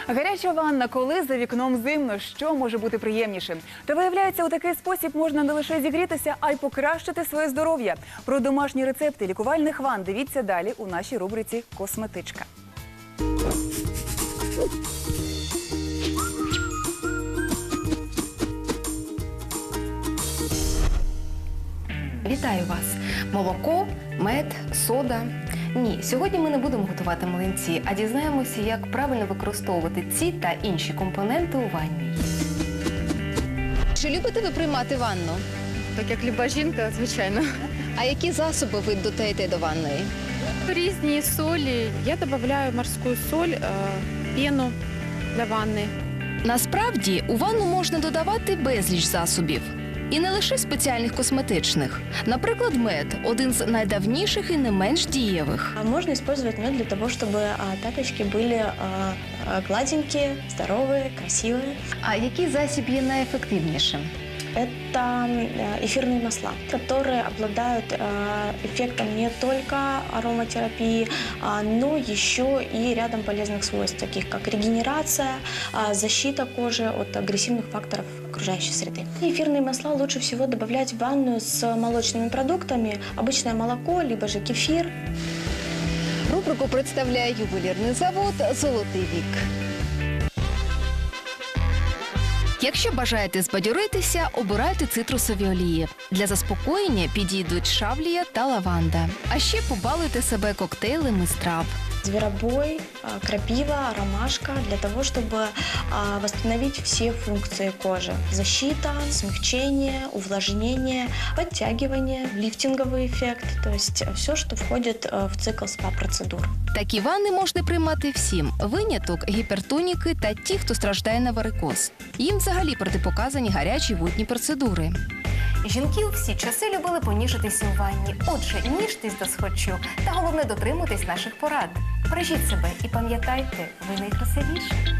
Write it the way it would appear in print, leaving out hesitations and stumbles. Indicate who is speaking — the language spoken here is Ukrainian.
Speaker 1: Гаряча ванна, коли за вікном зимно, що може бути приємнішим? Та виявляється, у такий спосіб можна не лише зігрітися, а й покращити своє здоров'я. Про домашні рецепти лікувальних ванн дивіться далі у нашій рубриці «Косметичка».
Speaker 2: Вітаю вас! Молоко, мед, сода. Ні, сьогодні ми не будемо готувати млинці, а дізнаємося, як правильно використовувати ці та інші компоненти у ванні. Чи любите ви приймати ванну?
Speaker 3: Так як люба жінка, звичайно.
Speaker 2: А які засоби ви додаєте до ванної?
Speaker 3: Різні солі. Я додаю морську соль, пену для ванни.
Speaker 2: Насправді, у ванну можна додавати безліч засобів. І не лише спеціальних косметичних. Наприклад, мед – один з найдавніших і не менш дієвих.
Speaker 4: Можно использовать мед для того, чтобы пяточки были гладенькие, здоровые, красивые.
Speaker 2: А який засіб є найефективнішим?
Speaker 4: Это эфирные масла, которые обладают эффектом не только ароматерапии, но еще и рядом полезных свойств, таких как регенерация, защита кожи от агрессивных факторов окружающей среды. Эфирные масла лучше всего добавлять в ванную с молочными продуктами, обычное молоко, либо же кефир.
Speaker 2: Рубрику представляє ювелірний завод «Золотий вік». Якщо бажаєте збадьоритися, обирайте цитрусові олії. Для заспокоєння підійдуть шавлія та лаванда. А ще побалуйте себе коктейлем із трав.
Speaker 4: Зверобой, крапива, ромашка для того, чтобы восстановить все функции кожи. Защита, смягчение, увлажнение, подтягивание, лифтинговый эффект. То есть все, что входит в цикл СПА-процедур.
Speaker 2: Такі ванни можна приймати всім. Виняток – гіпертоніки та ті, хто страждає на варикоз. Їм взагалі протипоказані гарячі водні процедури. Жінки у всі часи любили поніжитися у ванні. Отже, ніжтесь до схочу. Та головне дотримуйтесь наших порад. Бережіть себе і пам'ятайте, ви найкрасивіші.